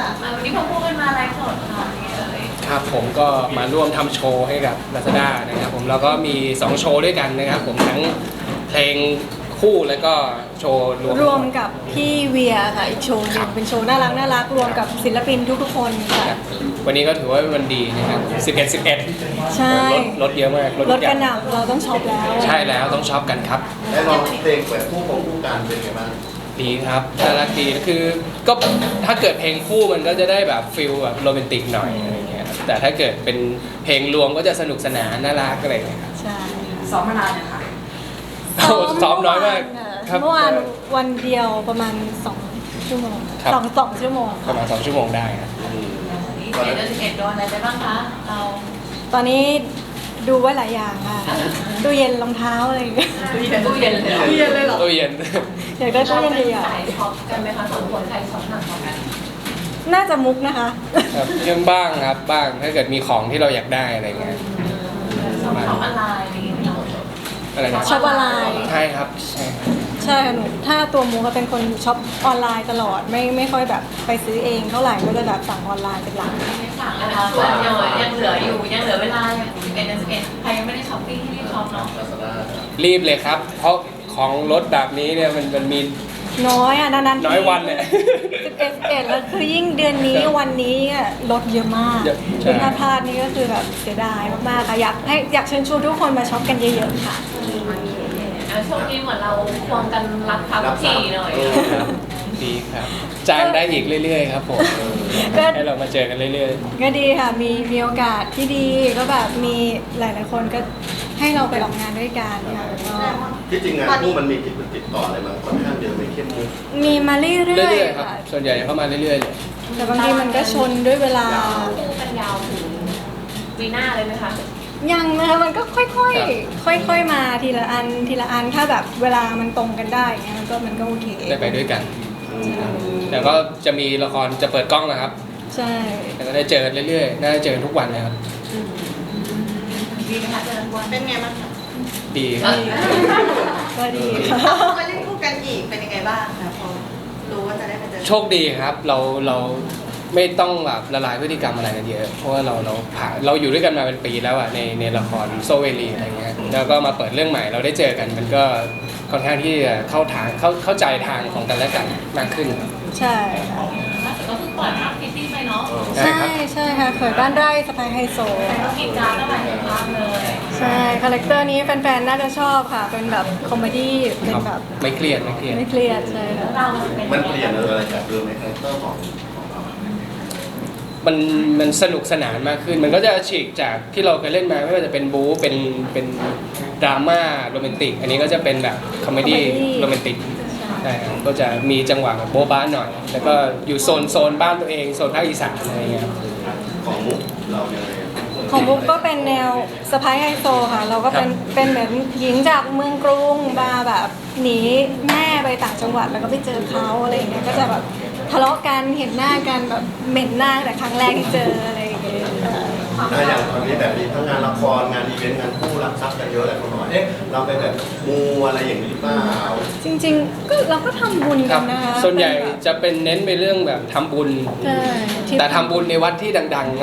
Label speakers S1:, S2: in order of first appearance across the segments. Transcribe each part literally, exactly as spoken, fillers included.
S1: วันนี้พวกพวกกันมาไลฟ์สดค่ะนี่เลย
S2: ครับผมก็มาร่วมทำโชว์ให้กับ Lazada นะครับผมแล้วก็มีสองโชว์ด้วยกันนะครับผมทั้งเพลงคู่แล้วก็โชว์รวม
S3: รวมกับพี่เวียค่ะอีกโชว์หนึงเป็นโชว์น่ารักน่ารักรวมกับศิลปินทุกๆคนค่ะ
S2: วันนี้ก็ถือว่าเป็นวันดีนะครับสิบเอ็ด สิบเอ็ด
S3: ใช่
S2: รถรถเยอะมาก
S3: รถกระหน่ำเราต้องช็อปแล้ว
S2: ใช่แล้วต้องช็อปกันครับ
S4: และน้องเพลงเปิดคู่ของคู่กันเป็นไงบ้าง
S2: ดีครับน่ารักดีคือก็ถ้าเกิดเพลงคู่มันก็จะได้แบบฟิลแบบโรแมนติกหน่อยอะไรเงี้ยแต่ถ้าเกิดเป็นเพลงรวมก็จะสนุกสนานน่ารักอะไรเงี้ยครับ
S3: ใช่ค่ะ
S1: ซ้อมมานานเนี่ยค่ะ
S2: ซ้อมน้อยมากครับ
S3: เมื่อวานวันเดียวประมาณสองชั่วโมง
S2: ครับ
S3: สองสองชั่วโมง
S2: ประมาณสองชั่วโมงได้ครับ
S1: นี่เจ็ดเดือนสิบเอ็ดโดนอะไรไปบ้างคะเรา
S3: ตอนนี้ดูไว้หลายอย่างค่ะตู้เย็นรองเท้าอะไรอย่างเงี้ย
S1: ตู้เย็นตู้เย็นเลยตู้เย็นเลยเหรอ
S2: ตู้เย็น
S3: อยากได้ตู้เย็นใหญ่
S1: สายช็อปกันไหมคะสองคนใครช็อปหนักกว่ากัน
S3: ๆน่าจะมุกนะคะ
S2: ครับยังบ้างครับบ้างถ้าเกิดมีของที่เราอยากได้อะไรเงี้ย
S1: ช็อปช็อปออนไลน์อะไรอย่างเงี้ย
S2: อะไรนะ
S3: ช็อปออนไลน์
S2: ใช่ครับใช่ครับ
S3: ใช่ค่ะหนูถ้าตัวมุกก็เป็นคนช็อปออนไลน์ตลอดไม่ไม่ค่อยแบบไปซื้อเองเท่าไหร่ก็จะแบบสั่งออนไลน์เป็นหลัก
S1: ไม่สั่งแล้วนะส่วนยังยังเหลืออยู่ยังเหลือเวลาสิบเอ็ดเดือนสิบเอ็ดใครยังไม่ได้ช็อปปิ้งที่รีบช็อปเนาะ
S4: ลาซาด้า
S2: รีบเลยครับ เพราะของรถแบบนี้เนี่ยมันมันมี
S3: น้อยอ่ะนานๆ
S2: น้อยวันเนี่ย
S3: สิบเอ็ดสิบเอ็ดแล้วคือยิ่งเดือนนี้วันนี้อะลดเยอะมาก
S2: เยอะใช่
S3: คือถ้าพลาดนี่ก็คือแบบเสียดายมากๆค่ะอยากให้อยากเชิญชวนทุกคนมาช็อปกันเยอะๆค่ะ
S1: ช่วงนี้เหมือนเราควงกันรับทับทีหน่อย
S2: ครับดีครับจ้างได้อีกเรื่อยๆครับผม
S3: ก็
S2: ให้เรามาเจอกันเรื่อย
S3: ก็ดีค่ะมีมีโอกาสที่ดีก็แบบมีหลายๆคนก็ให้เราไปออกงานด้วยกันค่ะก็
S4: ที่จริงงานคู่มันมีติดติดต่ออะไรมาค่อนข้างเยอะไม่เข้มมุก
S3: มีมาเรื่
S2: ๆ
S3: อย
S2: เรื่อย
S3: ๆ
S2: ๆครับ
S3: ค่ะ
S2: ส่วนใหญ่เข้ามาเรื่อยๆเลย
S3: แต่บางทีมันก็ชนด้วยเวลา
S1: คู่กันยาวถึงปีหน้าเลยไหมคะ
S3: ยังนะคะมันก็ค่อยๆ ค่อยๆ มาทีละอันทีละอันถ้าแบบเวลามันตรงกันได้อย่างเงี้ยมันก็มันก็โอเค
S2: ได้ไปด้วยกันแต่ก็จะมีละครจะเปิดกล้องนะครับ
S3: ใช่
S2: แต่ก็ได้เจอกันเรื่อยๆน่าจะเจอกันทุกวันเลยครับ
S1: ดีไหมคะเจอกันวัน
S5: เป็นไงบ้างคะ
S2: ดีครับ
S3: ก็ดีค่ะ
S5: มาเล่นคู่กันอีกเป็นยังไงบ้างคะพอรู้ว่าจะได้มาเจอ
S2: โชคดีครับเราเราไม่ต้องแบบละลายพฤติกรรมอะไรกันเยอะเพราะว่าเราเราผ่านเราอยู่ด้วยกันมาเป็นปีแล้วอะในในละครโซเวลีอะไรเงี้ยแล้วก็มาเปิดเรื่องใหม่เราได้เจอกันมันก็ค่อนข้างที่จะเข้าทางเข้าเข้าใจทางของกันและกันมากขึ้น
S3: ใช่ค่ะ
S1: ล่าสุดก็เพิ่งปล่อยภาพพิตตี้ไปเนาะ
S2: ใช่
S3: ใช่
S2: ครับ
S3: ใช่ค่ะเขยบ้านไร่สไปไฮโซ
S1: กินจานเท่าไหร่ภาพเลย
S3: ใช่คาแรคเตอร์นี้แฟนๆ น่าจะชอบค่ะ เป็นแบบคอมเมดี้เป็นแบบ
S2: ไม่เครียดไม่เครียด
S3: ไม่เครียดใช่ค่ะ
S1: เราเป็น
S4: มันเปลี่ยนอะไรจากเดิมในคาแรคเตอร์ของของเรา
S2: มันมันสนุกสนานมากขึ้น มันก็จะฉีกจากที่เราเคยเล่นมาไม่ว่าจะเป็นบู๊เป็นเป็นดราม่าโรแมนติกอันนี้ก็จะเป็นแบบคอมเมดี้โรแมนติกใช่ครับก็จะมีจังหวะแบบโบ๊ะบ้าหน่อย แล้วก็อยู่โซนโซนบ้านตัวเองโซนภาคอีสานอะไรเงี้ยครับ
S4: ของมุกเรายังไง
S3: ของบุ๊กก็เป็นแนวสไปไฮโซค่ะ เราก็เป็นเป็นเหมือนหญิงจากเมืองกรุงมาแบบหนีแม่ไปต่างจังหวัดแล้วก็ไปเจอเขาอะไรอย่างเงี้ยก็จะแบบทะเลาะกันเห็นหน้ากันแบบเหม็นหน้าแต่ครั้งแรกที่เจออะไรอย่างเงี้ย
S4: ถ้าอย่างตอนนี้แบบมีทั้งงานละครงานอีเวนต์งานคู่รับทรัพย์กันเยอะแหละคนบอกเอ๊ะเราไปแบบมูอะไรอย่างนี้หรือเปล่า
S3: จริงๆก็เราก็ทำบุญ
S2: ค
S3: กั
S2: รั
S3: น
S2: บ
S3: นะคะ
S2: ส่วนใหญ่
S3: เป็แบบ
S2: จะเป็นเน้นไปเรื่องแบบทำบุญ
S3: ใช่ที่
S2: แต่ทำบุญในวัดที่ดังๆ
S4: ก็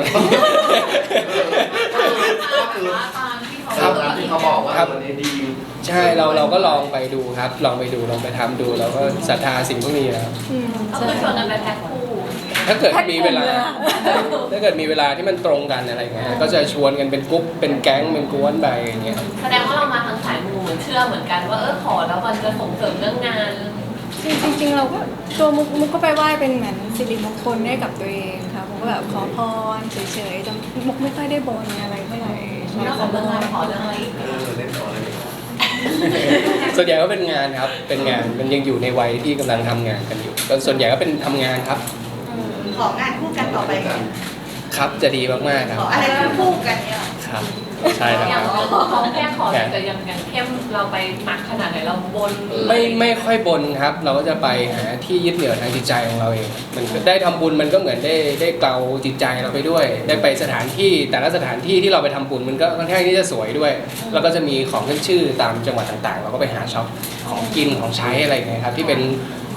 S4: คือ
S1: ตามที่เขา
S4: ตามที่เขาบอกว่าวันนี้ดี
S2: ใช่เราเราก็ลองไปดูครับ ลองไปดูลองไปทำดูเราก็ศรัทธาสิ่งพวกนี้นะครับ
S3: อืม
S1: ก็
S3: ใช่
S1: คือชวนกันไปแพ็คคู่
S2: ถ้าเกิดมีเวลา
S3: แพ็คกลุ่มเลยอะ
S2: ถ้าเกิดมีเวลาที่มันตรงกันอะไรเงี้ยก็จะชวนกันเป็นกรุ๊ปเป็นแก๊งเป็นกวนไปอย่างเงี้ย
S1: แสดงว่าเรามาทางสายมูเหมือนเชื่อเหมือนกันว่าเออขอแล้วมันจะส่งเสริมเรื่องงาน
S3: จริงๆจริงๆเราก็ตัวมุกมุกก็ไปไหว้เป็นเหมือนสิริมงคลให้กับตัวเองค่ะมุกก็แบบขอพรเฉยๆแต่มุกไม่ค่อยได้บนอะไรเท่าไหร่ใช่
S1: นอก
S3: ข
S1: จา
S3: อก พ
S1: เรื่องงาน
S3: ร
S1: ขอเรื่องอะไรอีก
S4: เออเล่นต่อเลย
S2: ส่วนใหญ่ก็เป็นงานครับเป็นงานมันยังอยู่ในวัยที่กำลังทำงานกันอยู่ก็ส่วนใหญ่ก็เป็นทำงานครับ
S5: ของานคู่กันต่อไปค่ะ
S2: ครับจะดีมากๆค
S5: ข
S2: รับ
S5: ออะไรคู่กันเนี่ย
S2: ครับใช่แล้ว
S1: อ
S2: ค
S1: ย่าง
S2: รับ
S1: เขาแค่ขอแต่ยังยังเข้มเราไปหนักขนาดไหนเราบน
S2: ไม่ไม่ค่อยบนครับ เราก็จะไปหาที่ยึดเหนี่ยวทางจิตใจของเราเองมันได้ทำบุญมันก็เหมือนได้ได้เกลาจิตใจเราไปด้วย ได้ไปสถานที่แต่ละสถานที่ที่เราไปทำบุญมันก็ค่อนข้างที่จะสวยด้วย แล้วก็จะมีของขึ้นชื่อตามจังหวัดต่างๆ เราก็ไปหาช็อปของกินของใช้อะไรอย่างเงี้ยครับที่เป็น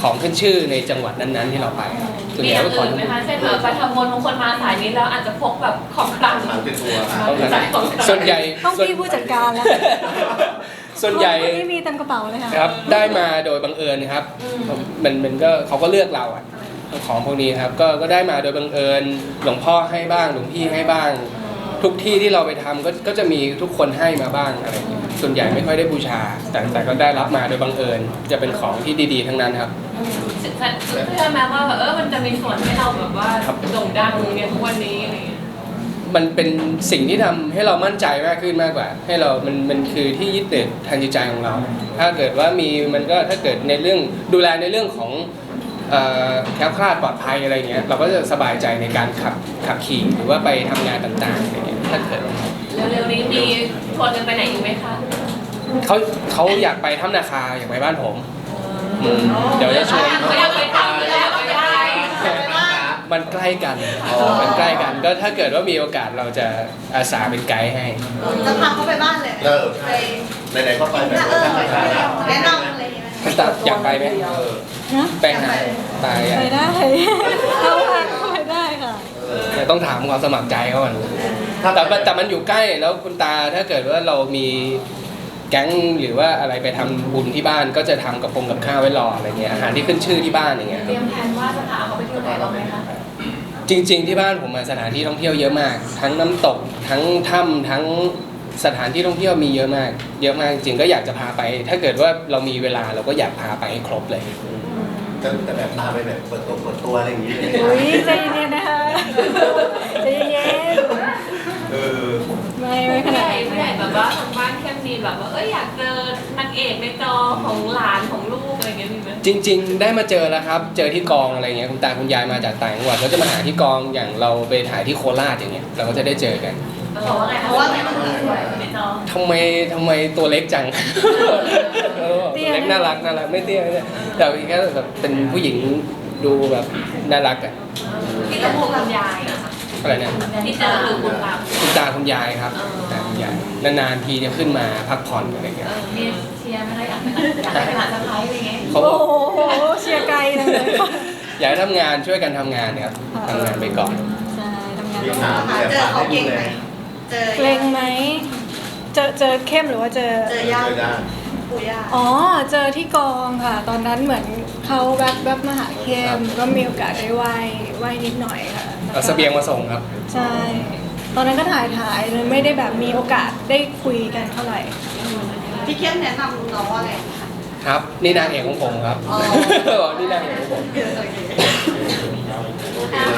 S2: ของขึ้นชื่อในจังหวัดนั้นๆที่เราไปส่วน
S1: มี
S2: ให
S1: อ
S2: ญ่
S1: ย่าง
S2: ก็ขอ
S1: อื่นไหมคะเช่นแบบไปทำบุญบางคนมาสายนี้แล้วอาจจะพกแบบของคลัง
S4: ทางเป็นตัว
S2: ต้องการ
S1: ของคลัง
S2: ส่วนใหญ่
S3: ต้อง
S2: ส่วน
S3: พี่ผู้จัดการแล้ว
S2: ส่วนใหญ่
S3: ไม่มีเต็มกระเป๋าเลยค่ะ
S2: ครับได้มาโดยบังเอิญครับมันมันก็เขาก็เลือกเราอะของพวกนี้ครับก็ก็ได้มาโดยบังเอิญหลวงพ่อให้บ้างหลวงพี่ให้บ้าง ทุกที่ที่เราไปทำก็ก็จะมีทุกคนให้มาบ้างอะไรอย่างเงี้ยส่วนใหญ่ไม่ค่อยได้บูชา แต่แต่ก็ได้รับมาโดยบังเอิญจะเป็นของที่ดีๆทั้งนั้นครับ
S1: เชื่อไหมว่าแบบเออมันจะมีส่วนให้เราแบบว่าโด่งดังในทุกวันนี้อะไรอย่างเงี้ย
S2: มันเป็นสิ่งที่ทำให้เรามั่นใจมากขึ้นมากกว่า ให้เรา มัน มันคือที่ยึดติดทางจิตใจของเรา ถ้าเกิดว่ามี มันก็ถ้าเกิดในเรื่องดูแลในเรื่องของเอ่อแคล้วคลาดปลอดภัยอะไรเงี้ย เราก็จะสบายใจในการขับขับขี่หรือว่าไปทำงานต่างๆอะไรเงี้ย ถ้าเกิด
S1: เร็วๆนี้มีชวนกันไปไหนอีกไหมคะ
S2: เขาเขาอยากไปถ้ำนาคาอยากไปบ้านผมอืมเดี๋ยวจะชวน
S1: เขาอยากไปทำอยากไปได้
S2: มันใกล้กัน มันใกล้กัน ก็ถ้าเกิดว่ามีโอกาสเราจะอาสาเป็นไกด์ให้
S5: จะพาเขาไปบ้านเลย
S4: เออ
S5: ไป
S4: ไหนๆก็ไปแบบ
S5: เออ
S4: นั้นนะครับ
S5: แนะนำอะไรอย่างเงี้ย
S2: คุณตาอยากไปไหม
S4: เออ
S3: นะ
S2: ไปหาตายอ่ะ
S3: ไปได้ เอาค่ะไปได้ค่ะ
S2: แต่ต้องถามความสมัครใจเขาก่อนแต่มันแต่มันอยู่ใกล้แล้วคุณตาถ้าเกิดว่าเรามีแก๊งหรือว่าอะไรไปทำบุญที่บ้านก็จะทำกับพงกับข้าวไว้รออะไรเงี้ยอาหารที่ขึ้นชื่อที่บ้านอย่างเงี้ย
S1: เตรียมแผนว่าจะพาเขาไปเที่ยวไหนบ้างไหมคะ
S2: จริง ๆ ที่บ้านผมมาสถานที่ท่องเที่ยวเยอะมาก ทั้งน้ำตกทั้งถ้ำทั้งสถานที่ท่องเที่ยวมีเยอะมาก เยอะมากจริงๆก็อยากจะพาไป ถ้าเกิดว่าเรามีเวลาเราก็อยากพาไปให้ครบเลย
S4: แต่แต่แบบตาไปแบบเปิดตัวเปิดตัวอะไรอย่างนี้เลย
S3: อุ้ยใจเย็นๆนะคะใจเย็น
S4: เออ
S3: ๆไม่ไม่ข
S1: ผู้ให
S3: นาด
S1: ญ่
S3: นั้น
S1: ผู้ใหญ่แบบว่าทางบ้านเข้มมีแบบว่าเอ้ยอยากเจอนางเอกในจอของหลานของลูกอะไรอย่างเงี้ยมีไหม
S2: จริง ๆ ได้มาเจอแล้วครับ เจอที่กองอะไรเงี้ยคุณตาคุณยายมาจากต่างจังหวัดก็จะมาหาที่กองอย่างเราไปถ่ายที่โคราชอย่างเงี้ยเราก็จะได้เจอกัน
S1: เพราะว่าไงเพราะว่าไงมันสวยในจอ
S2: ทำไมทำไมตัวเล็กจัง เออตัวเล็กน่ารักน่ารักไม่เตี้ยไม่เตี้ยแต่อีกแค่แบบเป็นผู้หญิงดูแบบน่ารักอะ
S1: ที่ตะพูคุณยายอะค่ะ
S2: อะไรเนี่ย
S1: ที่เจอคือคุณตา
S2: คุณตาคุณยายครับ
S1: อ๋อ
S2: ตาคุณยายนานๆทีจะขึ้นมาพักผ่อนอะไรเงี้
S1: เอย อมีเชียร์ไหมคะอยากไปอยากไปหาสะพ้ายอะไรเงี้ย
S2: เขา
S3: โอ้โหเชียร์ไกลจังเลยค่ะ
S2: อยากให้ทำงานช่วยกันทำงานครับทำงานไปก่อน
S3: ใช่ทำงาน
S4: มี
S3: ต้อง
S4: ถาม
S5: หา
S4: แต่
S5: เจอ
S4: ถาม
S5: เขา
S4: ให้ดู
S5: เก่ง
S4: เล
S5: ไหม
S4: ย
S5: เจอ
S3: เกรงไหมเจอเจอเข้มหรือว่าเจอ
S5: เจอย่า
S4: เจอได้
S5: ปู่ย่า
S3: อ๋อ เจอที่กองค่ะ ตอนนั้นเหมือนเขาแวบแวบมาหาเข้มก็มีโอกาสได้ไหว้ไหว้นิดหน่อยค่ะ
S2: เอาเสบียงมาส่งครับ
S3: ใช่ ตอนนั้นก็ถ่ายถ่ายเลยไม่ได้แบบมีโอกาสได้คุยกันเท่าไหร่
S5: พี่เข้มแนะนำน้องว่าอะไรคะ
S2: ครับ นี่นางเอกของผมครับ
S5: อ๋อ
S2: นี่นางเอกของผม
S5: โอเค